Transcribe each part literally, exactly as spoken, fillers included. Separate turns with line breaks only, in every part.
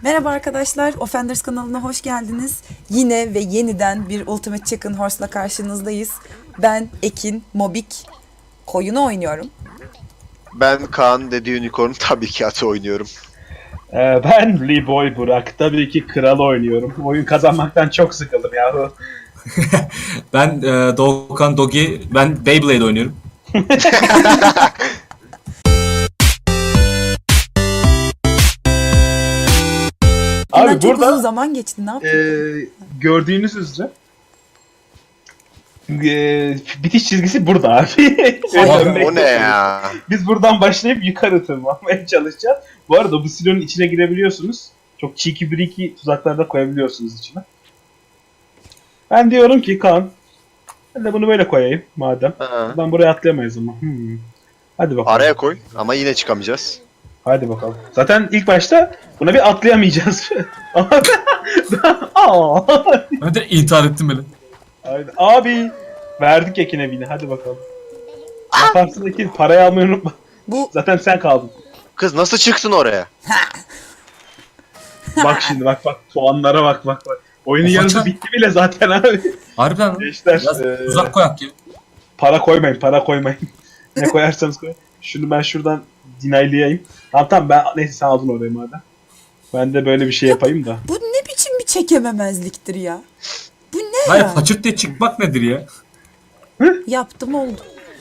Merhaba arkadaşlar, Offenders kanalına hoş geldiniz. Yine ve yeniden bir Ultimate Chicken Horse'la karşınızdayız. Ben Ekin Mobik, koyunu oynuyorum.
Ben Kaan Dedi Unicorn tabii ki atı oynuyorum.
Ee, ben Lee Boy Burak. Tabii ki kral oynuyorum. Oyun kazanmaktan çok sıkıldım yahu.
Ben e, Doğukan Dogi, ben Beyblade oynuyorum.
Bundan
Abi
çok uzun
burada
zaman geçti, ne yapayım?
e, gördüğünüz üzere e, bitiş çizgisi burada abi.
Abi,
O ne ya?
Biz buradan başlayıp yukarı tırmanmaya çalışacağız. Bu arada bu silonun içine girebiliyorsunuz. Çok cheeky breaky tuzaklar da koyabiliyorsunuz içine. Ben diyorum ki Kaan, ben de bunu böyle koyayım madem.
Ha.
Ben buraya atlayamayız ama. Hmm. Hadi bakalım.
Araya koy ama yine çıkamayacağız.
Hadi bakalım. Zaten ilk başta buna bir atlayamayacağız. Aa.
Ben de intihar ettim böyle.
Haydi. Abi verdik Ekin'e bini. Hadi bakalım. Yaparsın Ekin. Parayı almayı unutma.
Bu
Zaten sen kaldın.
Kız nasıl çıktın oraya?
Bak şimdi bak bak. Soğanlara bak bak bak. Oyunun
Of,
yarısı
açar.
bitti bile zaten abi.
Harbiden lan.
Gençler.
Biraz
eee,
uzak koyak ya.
para koymayın. Para koymayın. Ne koyarsanız koyun. Şunu ben şuradan dinaylayayım. Tamam tamam ben neyse sen aldın orayı madem. Ben de böyle bir şey yapayım da.
bu ne biçim bir çekememezliktir ya? Bu ne
Hayır,
ya?
paçırt diye çıkmak nedir ya?
Yaptım oldu.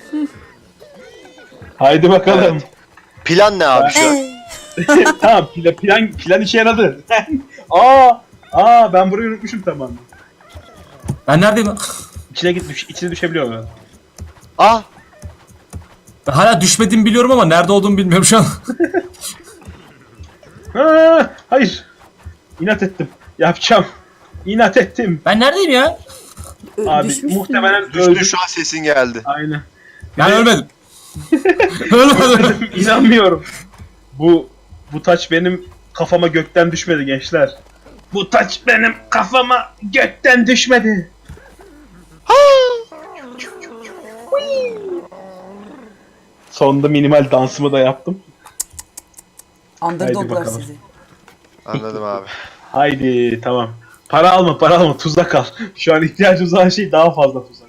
Haydi bakalım.
Plan ne abi şu an?
Ee,
Tamam plan, plan, plan işe yaradı. aa, aa ben burayı unutmuşum tamamen.
Ben neredeyim?
İçine git düş, içine düşebiliyor mu?
Ah!
Ben hala düşmediğimi biliyorum ama nerede olduğumu bilmiyorum şu an.
Aa, hayır. İnat ettim. Yapacağım. İnat ettim.
Ben neredeyim ya?
ö-
Abi
düşmüşsün.
muhtemelen öldüm.
Düştü şu an sesin geldi.
Aynen.
Ben ölmedim. Ölmedim.
İnanmıyorum. Bu bu taç benim kafama gökten düşmedi gençler. Bu taç benim kafama gökten düşmedi. Sonunda minimal dansımı da yaptım. Haydi
Underdoglar
bakalım.
sizi.
Anladım abi.
Haydi tamam. Para alma para alma tuzak al. Şu an ihtiyacımız olan şey daha fazla tuzak.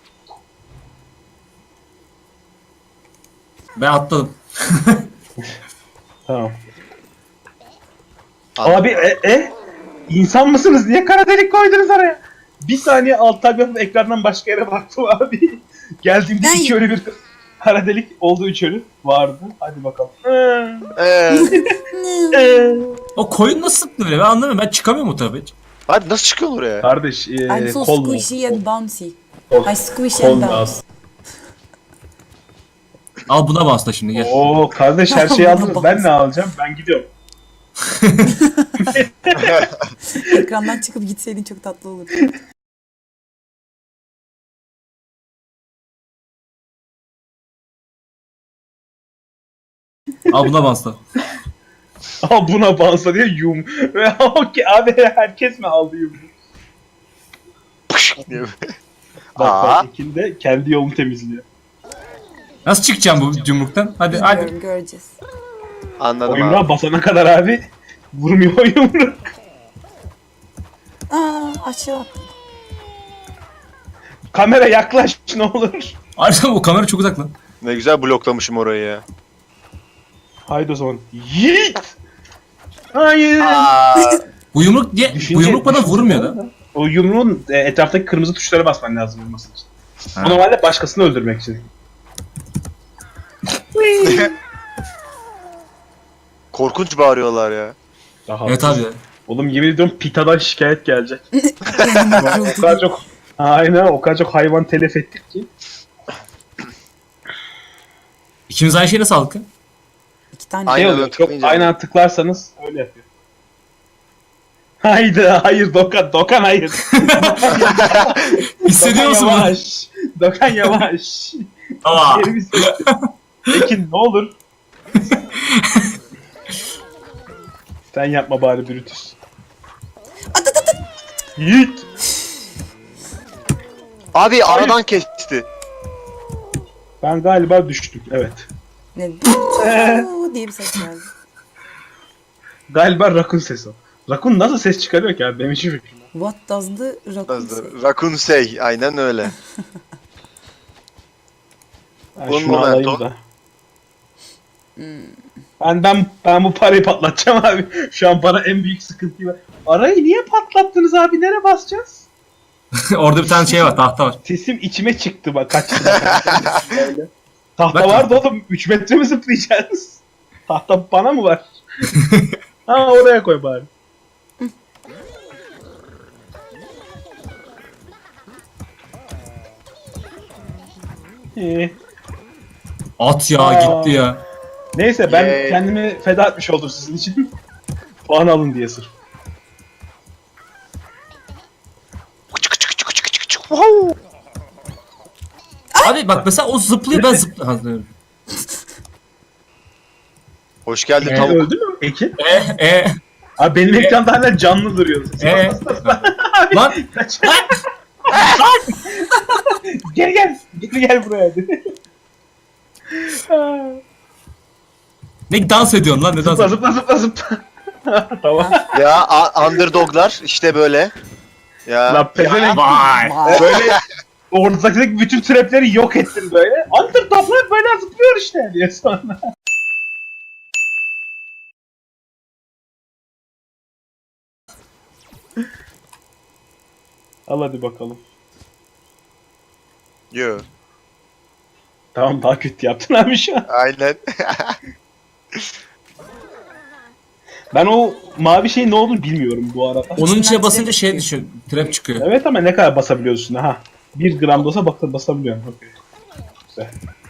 Ben atladım.
Tamam.
Anladım.
Abi e, e? İnsan mısınız? Niye kara delik koydunuz oraya? Bir saniye alt tab yapıp ekrandan başka yere baktım abi. Geldiğimde
Ben-
iki ölü bir kara delik oldu, üç ölü vardı. Hadi bakalım.
Ee,
Ee,
O koyun nasıl sıktı böyle? Ben anlamıyorum. Ben çıkamıyorum o tarafa hiç.
hadi nasıl çıkıyorsun oraya?
Kardeş e,
I'm so
kol
squishy and bouncy.
Kol-
I squish
kol
and bounce.
lazım.
Al buna bas şimdi gel.
Oo kardeş her şeyi
Buna
aldınız. Ben
bas.
ne alacağım? Ben gidiyorum.
Ekrandan çıkıp gitseydin çok tatlı olurdu.
Al buna bas da.
Al buna bansa diye yum. Ve okey abi herkes mi aldı yum?
Pış diye.
Bak
Aa.
bak Ekin de kendi yolunu temizliyor.
Nasıl çıkacağım bu yumruktan? Hadi hadi.
Bilmiyorum, göreceğiz.
Anladım
O yumruğa
abi.
basana kadar abi vurmuyor o yumruk.
Aa, aşağı attım.
Kamera yaklaş ne olur.
Harbiden o kamera çok uzak lan.
Ne güzel bloklamışım orayı ya.
Haydi o zaman. Yiğit! Hayır!
Aa,
Bu yumruk diye,
Düşünce-
bu yumruk bana
düşünce
vurmuyor
var
da.
da. O yumruğun e, etraftaki kırmızı tuşlara basman lazım vurması için.
Ha.
O normalde başkasını öldürmek için.
korkunç bağırıyorlar ya.
Daha
Evet abi ya.
Oğlum yemin ediyorum Pita'dan şikayet gelecek. o kadar çok aynen o kadar çok hayvan telef ettik ki.
İki
İkimiz aynı şeyi nasıl aldık ya?
tane.
Aynen.
Ne oluyor? Çok
tıklayınca-
aynen tıklarsanız öyle yapıyor. Haydi hayır Dokan Dokan hayır.
Hissediyor musun
Dokan
bunu?
yavaş. Dokan yavaş.
Aa.
Yerimiz- Ekin ne olur. Sen yapma bari Brutus.
At at at at.
Yiğit.
Abi aradan kesti.
Ben galiba düştüm evet.
Ne? Oo diye bir ses geldi.
Galiba Rakun sesi o. Rakun nasıl ses çıkarıyor ki abi? Benim hiçbir fikrim yok.
What does the raccoon say?
Rakun Sey. Aynen öyle.
Ben
Un
şunu alayım
momento.
da. Ben, ben, ben bu parayı patlatacağım abi. Şu an bana en büyük sıkıntı var. Arayı niye patlattınız abi? Nereye basacağız?
Orada bir tane şey var, tahta var.
Sesim içime çıktı bak kaçtı. Böyle. Tahta
Bak
vardı
tahta.
oğlum. üç metre mi zıplayacağız? Tahta bana mı var? Ha oraya koy bari. İyi.
At ya
Aa.
gitti ya.
Neyse ben
Yay.
kendimi feda etmiş oldum sizin için. Puan alın diye sırf.
Wow.
Abi bak mesela o zıplıyor, ben zıplıyorum.
Hoş geldin
E,
tavuk.
öldü mü Ekin?
E e
Abi benim ekranda hala canlı duruyor.
e. Lan
Kaç. Gel gel. Gel gel buraya hadi.
ne dans ediyorsun lan, ne dans
Zıpla
ediyorsun?
zıpla zıpla zıpla. Tamam.
Ya a- underdoglar işte böyle. Ya.
Lan pezevenk.
Vay.
Vay.
Böyle ortadaki bütün trapleri yok ettin böyle. Underdoglar böyle zıplıyor işte diye sonra. Al hadi bakalım.
Yo.
Tamam daha kötü yaptın abi şu an.
Aynen.
Ben o mavi şeyin ne olduğunu bilmiyorum bu arada.
Onun içine
İçinden
basınca
trap
şey
çıkıyor.
düşüyor, trap çıkıyor.
Evet ama ne kadar basabiliyorsun ha? Bir gram da olsa bak basabiliyorsun. Okey. Güzel.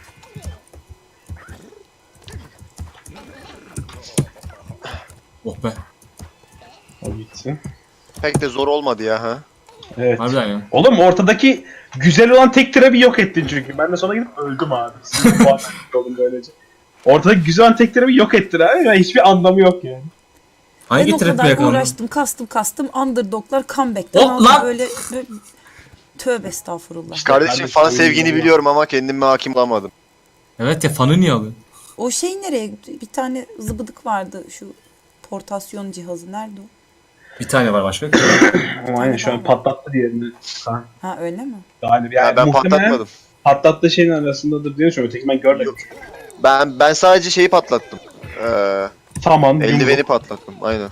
Oh be.
O gitsin.
Pek de zor olmadı ya ha.
Evet.
Harbiden ya.
Oğlum ortadaki güzel olan tek trap'i yok ettin çünkü. Ben de sonra gidip öldüm abi. Sinir puan oldum böylece. Ortadaki güzel olan tek trap'i yok ettin abi. Yani hiçbir anlamı yok yani.
Ben
Hangi
o
trap'le
kadar
yakalandın?
uğraştım, kastım kastım. Underdoglar comeback'ten
Oh,
aldı
lan!
böyle, böyle... Tövbe estağfurullah.
Kardeşim
ben de
fan
söyleyeyim
sevgini
ya.
biliyorum ama kendime hakim olamadım.
Evet ya, fanı niye alıyor?
O şey nereye gitti? Bir tane zıbıdık vardı şu portasyon cihazı. Nerede o?
Bir tane var başka.
Ama aynen şu an patlattı diğerini. Ha,
Ha öyle mi?
galiba.
Ya
Yani
ben
muhtemelen
patlatmadım.
patlattığı şeyin arasındadır diye düşünüyorum. Öteki ben görmedim.
Ben ben sadece şeyi patlattım. Ee,
Tamam.
eldiveni
yumruk.
patlattım. Aynen.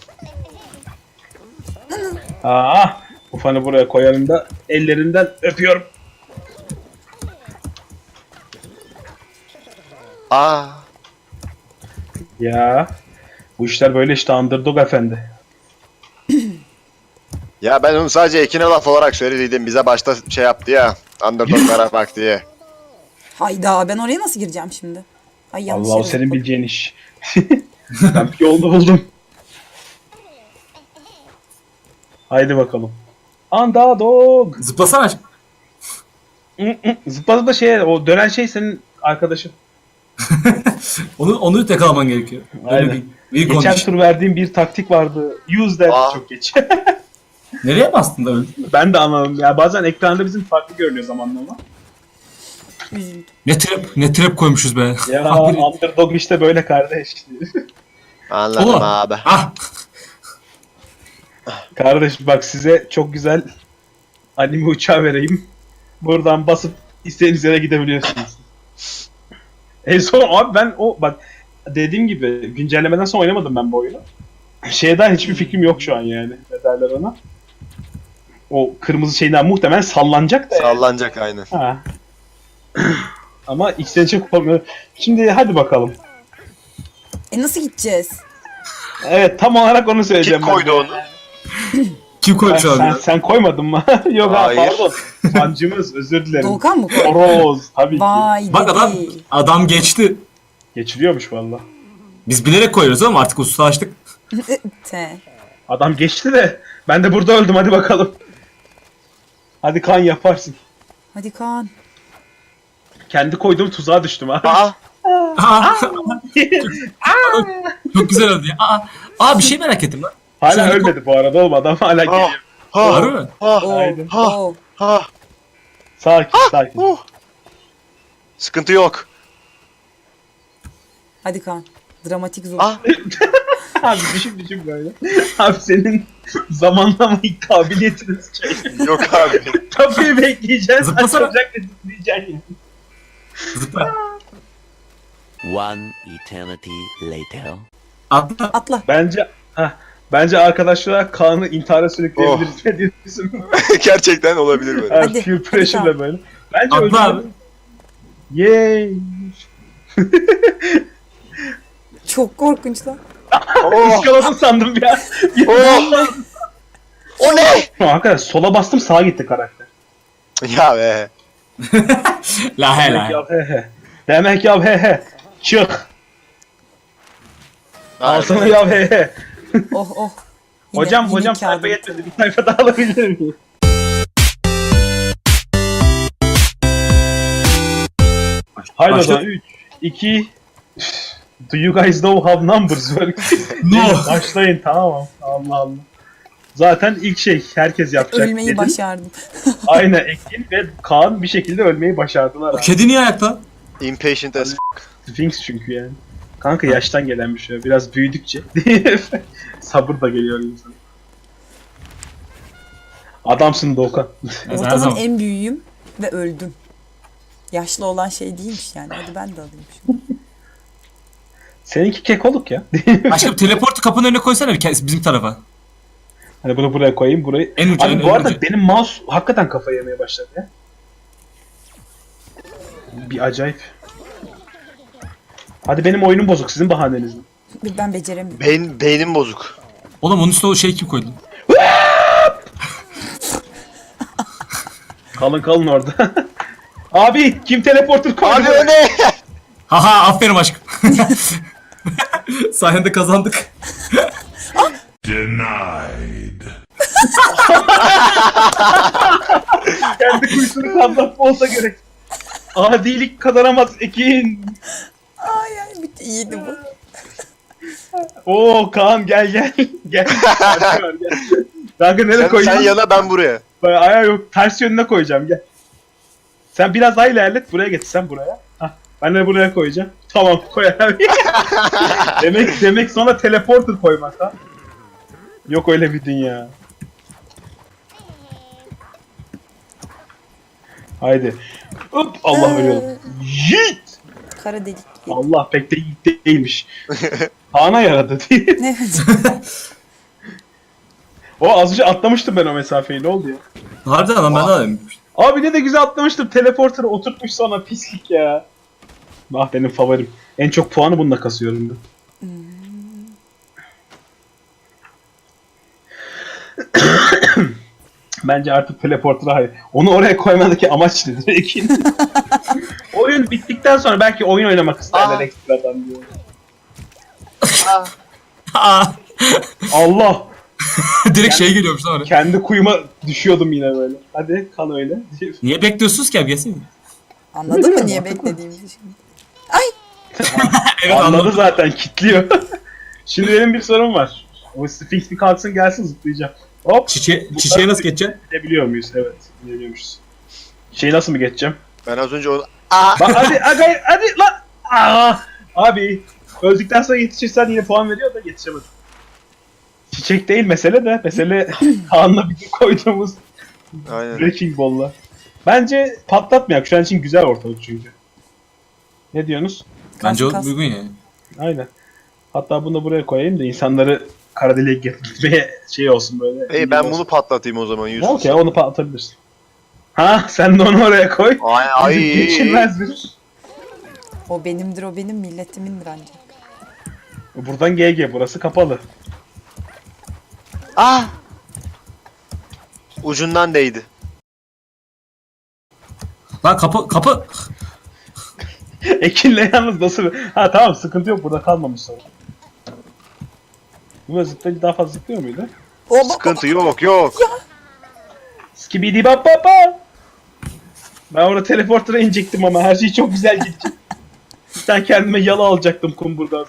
Aa, bu fanı buraya koyarım da ellerinden öpüyorum.
Aa.
Ya bu işler böyle işte underdog efendi.
Ya ben onu sadece Ekin'e laf olarak söylediydim. Bize başta şey yaptı ya. Underdog'lara bak diye.
Hayda ben oraya nasıl gireceğim şimdi? Ay yanlış
Allah o
yere
senin
zıpladım.
bileceğin iş. Ben bir yolunu buldum. Haydi bakalım. Underdog.
Zıplasana.
Zıpladı da şey o dönen şey senin arkadaşın.
Onu onu yakalaman gerekiyor. Böyle
Aynen.
bir, bir
Geçen
condition.
tur verdiğim bir taktik vardı. Use that
Aa.
çok geç.
Nereye bastın da öldün?
Ben de anlamadım. Ya bazen ekranda bizim farklı görünüyor zamanlama.
Üzüldüm.
Ne trap, ne trap koymuşuz be.
Ya
Ah, bir-
underdog işte böyle kardeş.
Anladım
Oğlum.
abi.
Ah!
Kardeş bak size çok güzel anime uçağı vereyim. Buradan basıp istediğiniz yere gidebiliyorsunuz. En son abi ben o bak dediğim gibi güncellemeden sonra oynamadım ben bu oyunu. Şeyden hiçbir fikrim yok şu an yani. Ne derler ona? O kırmızı şeyden muhtemelen sallanacak da yani.
Sallanacak aynen.
Ha. Ama içten içe kopamıyor. Şimdi hadi bakalım.
E nasıl gideceğiz?
Evet tam olarak onu söyleyeceğim.
Kim
ben
koydu
de.
onu?
Kim
Ha,
koymuş
sen,
abi?
sen koymadın mı? Yok ha
Hayır.
pardon. Sancımız özür dilerim.
Doğukan mı koydu?
Horoz tabii ki.
Vay
Bak
dedi.
adam adam geçti.
Geçiliyormuş valla.
Biz bilerek koyuyoruz ama artık ustalaştık.
Te.
Adam geçti de ben de burada öldüm hadi bakalım. Hadi kan yaparsın.
Hadi Kaan.
Kendi koyduğum tuzağa düştüm ha.
Aa.
Aa, çok güzel oldu ya. Aa, aa bir şey merak ettim lan.
Hala
Sen-
ölmedi bu arada oğlum adam hala geliyor.
Ha.
Harbi mi?
Ha.
Oo,
Haydi.
Ha.
oo.
Ha.
Sakin sakin.
Uh. Sıkıntı yok.
Hadi Kaan. Dramatik zor.
Ah
Abi düşün düşün böyle. Abi senin zamanlama kabiliyetiniz şey.
yok abi.
Tabii bekleyeceksin.
Zıplasana.
Açılacak ve zıplayacaksın yani.
Zıpla.
One eternity later.
Atla.
Atla.
Bence heh, bence arkadaşlar Kaan'ı intihara sürükleyebiliriz. Ne diyorsun?
Gerçekten olabilir böyle.
Evet,
Hadi,
peer
hadi
pressure'la
Kaan.
böyle. Bence
Atla
öldürelim.
abi.
Yay.
Çok korkunç lan.
Oh,
İskaladın sandım ya.
oh. O ne?
Arkadaş sola bastım sağa gitti karakter.
Ya be.
La he
Demek
la.
ya he he. Demek ya he he. Çık. Al sana ya he he.
Oh oh. Yine-
Hocam
yine
hocam
kağıdı
sayfa
bitti.
yetmedi. Bir sayfa daha alabilir miyim? Haydi o
Başla.
zaman üç, iki Do you guys know how numbers work?
No.
Başlayın tamam. Allah Allah. Zaten ilk şey herkes yapacak.
Ölmeyi
dedim.
başardım.
Aynen Ekin ve Kaan bir şekilde ölmeyi başardılar.
O
abi.
kedi niye ayakta?
Impatient as
Sphinx çünkü yani. Kanka yaştan gelen bir şey. Biraz büyüdükçe. Sabır da geliyor insan. Adamsın Doğukan.
Her
Ortadan
zaman.
en büyüğüm ve öldüm. Yaşlı olan şey değilmiş yani. Hadi ben de alayım şimdi.
Seninki kekoluk ya.
Aşkım teleportu kapının önüne koysana bir kez bizim tarafa.
Hani bunu buraya koyayım, burayı.
En ucu,
Abi
en
bu arada
ucu.
benim mouse hakikaten kafayı yemeye başladı ya. Bir acayip. Hadi benim oyunum bozuk, sizin bahaneniz mi?
Ben beceremiyorum.
beyin, beynim bozuk.
Oğlum onun üstüne o şey kim koydu?
Kalın kalın orada. Abi kim teleporter koydu?
Abi o ne?
Haha aferin aşkım. Sayende kazandık.
Denied.
Kendi kuyusunu kazanma olsa gerek. Adilik kazanamaz Ekin.
Ay ay bitti. İyiydi bu.
Oo Kaan gel gel. Gel. Hadi var, gel. Kanka nereye
Sen,
koyayım?
sen yana ben buraya.
Ben ayağı yok. Ters yönüne koyacağım gel. Sen biraz daha ilerlet. Buraya getir sen buraya. Hah. Ben de buraya koyacağım. Tamam koy abi. demek demek sonra teleporter koymak ha. Yok öyle bir dünya. Haydi. Hop Allah veriyorum. Yiğit.
Kara delik.
Allah pek de yiğit değilmiş. Kaan'a yaradı diye.
Ne?
O az önce atlamıştım ben o mesafeyi. Ne oldu ya?
Harbiden lan ben de alayım.
Abi ne de güzel atlamıştım. Teleporter'ı oturtmuş sonra pislik ya. Ah benim favorim. En çok puanı bununla kasıyorum ben. Bence artık teleporter'a hayır. Onu oraya koymadaki amaç nedir Ekin? Oyun bittikten sonra belki oyun oynamak isterler
Aa.
ekstradan diyor.
Aa,
Allah!
direkt şey geliyormuş lan oraya.
Kendi kuyuma düşüyordum yine böyle. Hadi kal öyle.
Niye bekliyorsunuz ki abi gelsene.
Anladın mı niye beklediğimizi şimdi?
Evet
Anladı
anladım.
zaten kitliyor. Şimdi benim bir sorum var. O Sphinx bir kalksın gelsin zıplayacağım. Hop.
Çiçeğe, çiçeğe nasıl geçeceksin?
Gidebiliyor muyuz? Evet. Gidebiliyormuşuz. Şeyi nasıl mı geçeceğim?
Ben az önce onu... Aa!
Bak hadi hadi hadi lan. Aa, abi öldükten sonra yetişirsen yine puan veriyor da yetişemedim. Çiçek değil mesele de. Mesele Kaan'la bir koyduğumuz
Aynen.
Wrecking Ball'la. Bence patlatmayak. Şu an için güzel ortalık çünkü. Ne diyorsunuz?
Bence o
kas.
uygun ya.
Aynen. Hatta bunu da buraya koyayım da insanları kara deliğe gitmeye şey olsun böyle.
İyi ben bunu patlatayım o zaman Yusuf.
Okey onu patlatabilirsin. Ha sen de onu oraya koy.
Ay ay.
Bizim geçilmez bir.
O benimdir o benim milletimindir ancak.
Buradan G G burası kapalı.
Ah! Ucundan değdi.
Lan kapı kapı.
Ekin'le yalnız nasıl bir... Ha tamam sıkıntı yok burada kalmamış sonra. Bu zıplayıcı daha fazla zıplıyor muydu?
O bak
Sıkıntı yok yok.
Skibidi bap bap bap. Ben orada teleporter'a inecektim ama her şey çok güzel gitti. Bir tane kendime yalı alacaktım kumburdan.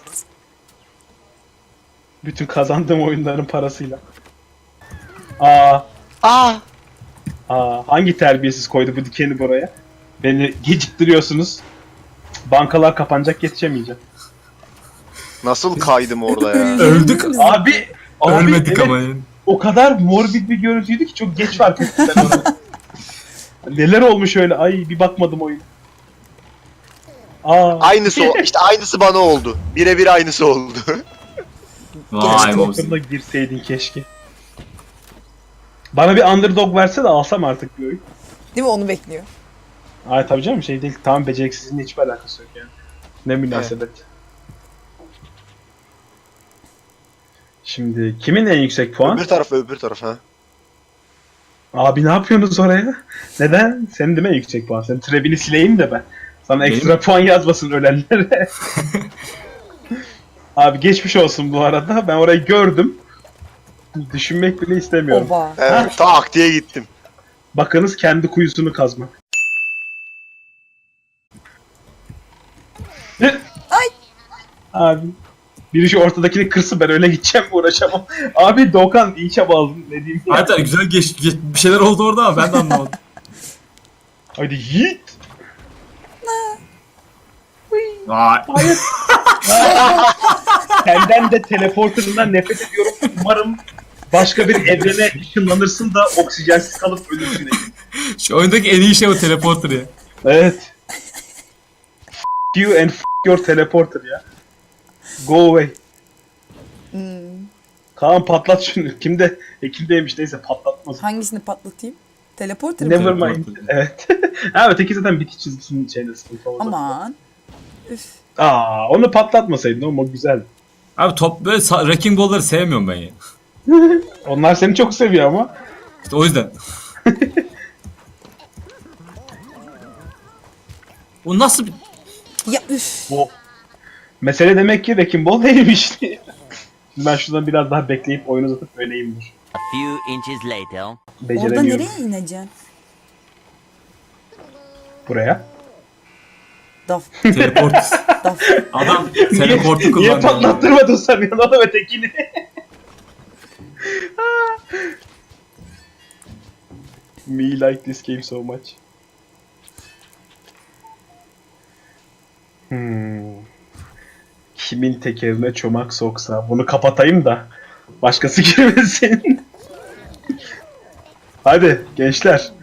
Bütün kazandığım oyunların parasıyla. Aa,
Aa!
aa hangi terbiyesiz koydu bu dikeni buraya? Beni geciktiriyorsunuz. Bankalar kapanacak yetişemeyeceğim.
Nasıl kaydım orada ya?
Öldük.
Biz-
Abi, abi
Ölmedik
evet,
ama yani.
o kadar morbid bir görüntüydü ki çok geç fark ettim ben onu. Neler olmuş öyle? Ay bir bakmadım oyuna. Aa.
Aynısı o. İşte aynısı bana oldu. Birebir aynısı oldu.
Vay
Stalker'da
be.
girseydin keşke. Bana bir underdog verse de alsam artık bir oyun.
Değil mi, onu bekliyor.
Ay tabii canım şey değil. Tamam beceriksizliğinle hiçbir alakası yok yani. Ne münasebet. Şimdi kimin en yüksek puan?
öbür tarafa öbür tarafa. Ha.
Abi ne yapıyorsunuz oraya? Neden? Senin değil mi en yüksek puan? Senin trebini sileyim de ben. Sana
Benim?
ekstra puan yazmasın ölenlere. Abi geçmiş olsun bu arada. Ben orayı gördüm. Düşünmek bile istemiyorum.
Oba.
Evet, tak diye gittim.
Bakınız kendi kuyusunu kazmak.
Ay.
Abi. Biri şu ortadakini kırsın, ben öyle gideceğim, uğraşamam. Abi Doğukan iyi çaba aldın, ne diyeyim ya.
Hatta güzel geç, geç- bir şeyler oldu orada ama ben de anlamadım.
Hadi yiğit.
Vay.
Hayır. Senden de teleporterından nefret ediyorum. Umarım başka bir evrene ışınlanırsın da oksijensiz kalıp ölürsün.
Şu oyundaki en iyi şey o teleporter ya.
Evet. F you and f your teleporter ya. Go away.
Hmm.
Kaan patlat şunu. Kimde? E kimdeymiş, neyse patlatmaz.
Hangisini patlatayım? Teleporter mi?
Never mind.
Teleporter.
Evet. Ha öteki zaten bitiş çizgisinin şeyinde sıkıntı oldu.
Aman. Üf.
Aa onu patlatmasaydın oğlum, o güzel.
Abi top böyle sa- wrecking ball'ları sevmiyorum ben ya.
Onlar seni çok seviyor ama.
İşte o yüzden. O nasıl bir...
Ya üf.
O. Mesele demek ki Wrecking Ball değilmiş. Şimdi ben şuradan biraz daha bekleyip oyunu uzatıp öleyimdir.
A few inches later.
Orada
Beceremiyorum.
nereye ineceksin?
Buraya.
Daf.
Teleport.
Daf.
Adam teleportu
Niye
kullanıyor.
patlattırmadın sanıyorsun oğlum ötekini? Me like this game so much. Hmm. Kimin tekerine çomak soksa, bunu kapatayım da başkası girmesin. Hadi gençler.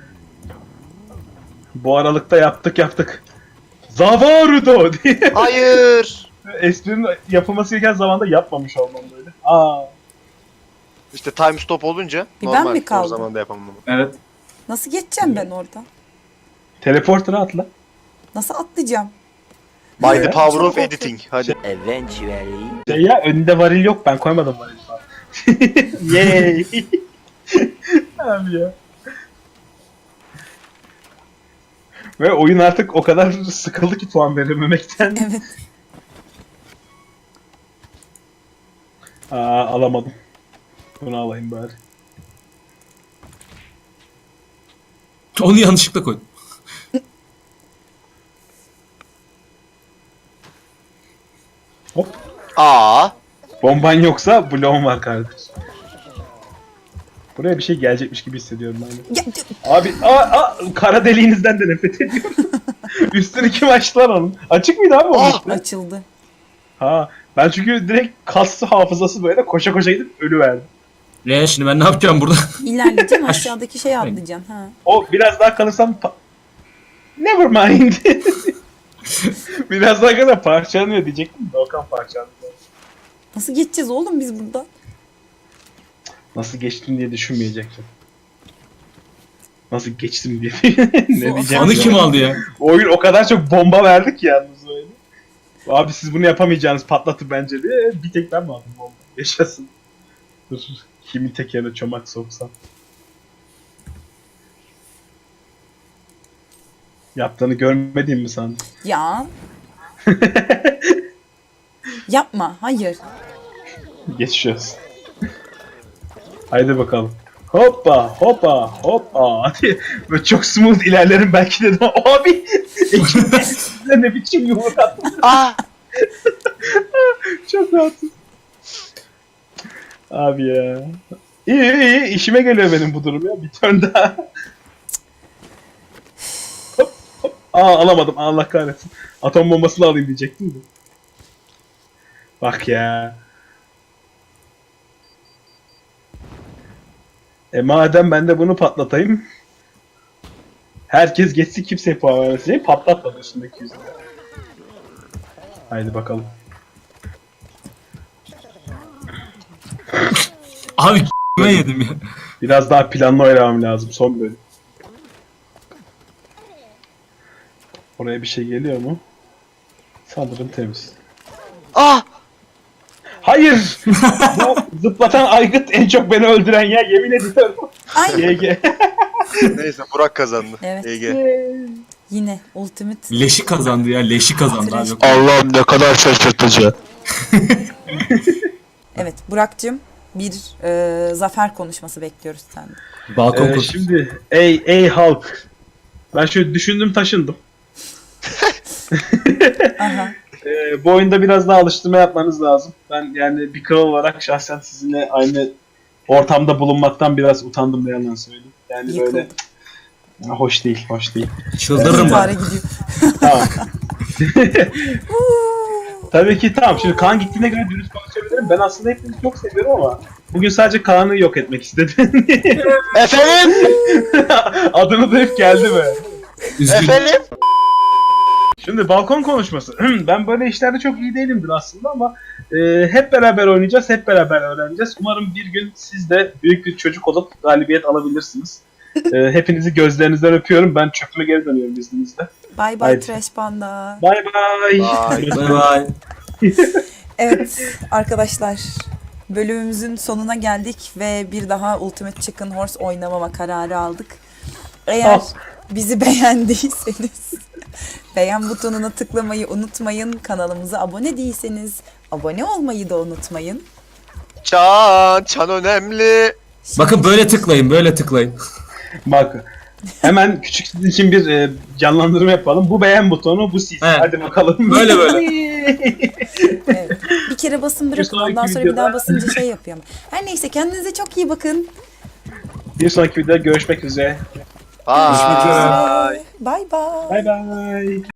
Bu aralıkta yaptık yaptık. Zavarudo diye.
Hayır.
Esprinin yapılması gereken zamanda yapmamış olmam böyle. Aa.
İşte time stop olunca
Bir ben
normal.
mi kaldım?
O zaman da yapamam.
Evet.
Nasıl geçeceğim ben orada?
Teleporter'a atla.
Nasıl atlayacağım?
By the
Evet.
power
Çok
of
korkunç.
editing. Hadi.
Eventually.
Şey ya, önünde varil yok, ben koymadım varil falan. Yay. Abi ya. Ve oyun artık o kadar sıkıldı ki puan verememekten.
Evet.
Aa alamadım. Bunu alayım bari.
Onu yanlışlıkla koydum.
Hop.
Aa.
Bomban yoksa bloğum var kardeş. Buraya bir şey gelecekmiş gibi hissediyorum ben de.
Ya,
Abi aa, aa, kara deliğinizden de nefret ediyorum. Üstünü kim açtı lan onun? Açık mıydı abi onun
Aa!
üstü?
açıldı.
Ha, ben çünkü direkt kaslı hafızası böyle koşa koşa gidip ölüverdim.
Ne şimdi ben ne yapacağım burada?
İlerleyeceğim, aşağıdaki şeye atlayacağım. Ha.
O biraz daha kalırsam pa- never mind. Biraz daha kadar parçalanıyor diyecektim de Okan parçalanıyor.
Nasıl geçeceğiz oğlum biz buradan?
Nasıl geçtim diye düşünmeyecektim. Nasıl geçtim diye. Ne diyeceğim?
Anı
ya?
kim aldı ya?
Oyun o kadar çok bomba verdi ki yalnız öyle. Abi siz bunu yapamayacağınız patlatır bence diye. Bir tek ben mi aldım bomba? Yaşasın. Dur. Kimin tekerine çomak soksam. Yaptığını görmediğim mi sandın?
Ya. Yapma. Hayır.
Geçiyoruz. Haydi bakalım. Hoppa hoppa hoppa diye böyle çok smooth ilerlerim belki dedim. Abi ekibde size ne biçim yumruk attın.
Aa.
Çok rahatım. Abi ya. İyi iyi iyi işime geliyor benim bu durum ya. Bir turn daha. Hop hop. Aa alamadım, Allah kahretsin. Atom bombasını alayım diyecektim de. Bak ya. E madem ben de bunu patlatayım. Herkes geçsin, kimseye puan vermesin. Patlatmadı üstündeki yüzünü. Haydi bakalım.
Abi k***me yedim ya.
Biraz daha planlı oynamam lazım son bölüm. Oraya bir şey geliyor mu? Sanırım temiz.
Ah!
Hayır! Bu zıplatan aygıt en çok beni öldüren ya, yemin ediyorum.
Ay
G G.
Neyse Burak kazandı.
Evet.
E G.
yine ultimate.
Leşi kazandı ya. Leşi kazandı abi. Yok.
Allah'ım ne kadar şaşırtıcı.
Evet Burak'cığım bir e, zafer konuşması bekliyoruz senden.
Balkon
Ee,
kursu.
şimdi ey ey halk. Ben şöyle düşündüm taşındım.
Aha.
Ee, bu oyunda biraz daha alıştırma yapmanız lazım. Ben yani bir kral olarak şahsen sizinle aynı ortamda bulunmaktan biraz utandım, ne yalan söyleyeyim. Yani
Yıkıl.
böyle hoş değil, hoş değil.
Çıldırırım
İntihara
ben.
gidiyor.
Tamam. Tabii ki tamam. Şimdi Kaan gittiğine göre dürüst konuşabilirim. Ben aslında hepinizi çok seviyorum ama bugün sadece Kaan'ı yok etmek istedim.
Efendim?
Adını da hep geldi mi?
Üzgün.
Efendim?
Şimdi balkon konuşması. Ben böyle işlerde çok iyi değilimdir aslında ama e, hep beraber oynayacağız, hep beraber öğreneceğiz. Umarım bir gün siz de büyük bir çocuk olup galibiyet alabilirsiniz. E, hepinizi gözlerinizden öpüyorum. Ben çöpüme geri dönüyorum izninizle.
Bye bye
Haydi.
Trash Panda.
Bye bye.
Bye.
Bye bye.
Evet arkadaşlar bölümümüzün sonuna geldik ve bir daha Ultimate Chicken Horse oynamama kararı aldık. Eğer
Al.
bizi beğendiyseniz beğen butonuna tıklamayı unutmayın. Kanalımıza abone değilseniz abone olmayı da unutmayın.
Çan, çan önemli.
Bakın böyle tıklayın, böyle tıklayın.
Bak. Hemen küçük sizin için bir e, canlandırma yapalım. Bu beğen butonu, bu siz.
He.
Hadi bakalım.
Böyle böyle.
Evet. Bir kere basın bırakın
sonraki
ondan sonra bir
videoda-
daha basınca şey yapıyor ama. Her neyse kendinize çok iyi bakın.
Bir sonraki videoda görüşmek üzere.
Bye.
Görüşmek üzere. Bye bye.
Bye bye.